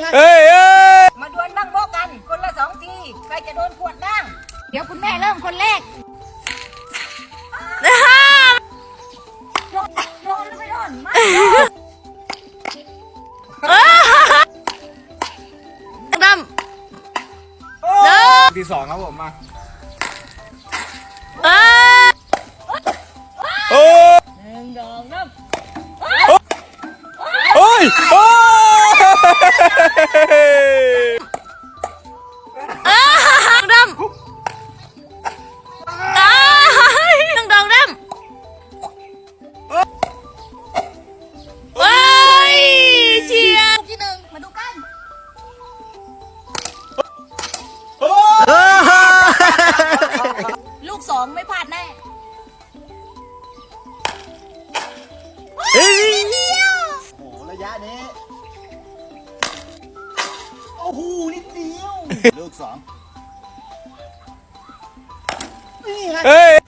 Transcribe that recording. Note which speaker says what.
Speaker 1: เฮ้ย
Speaker 2: มาดวลนั่งโบกันคนละ2 ทีใครจะโดนขวดนั่งเดี๋ยวคุณแม่เริ่มคนแรกโดนหรือไม่โดนมา
Speaker 1: ดำที่2ครับผมมาโอ้
Speaker 2: 1 2 3
Speaker 1: โอ้ยโอ้ดำดำเฮ้ยเชียร์
Speaker 2: ที่1มาดูกันลูก2ไม่พลาดแน่
Speaker 1: โอ้
Speaker 3: ระยะนี้โอ้โหนิดเดียวลูก2นี่ไง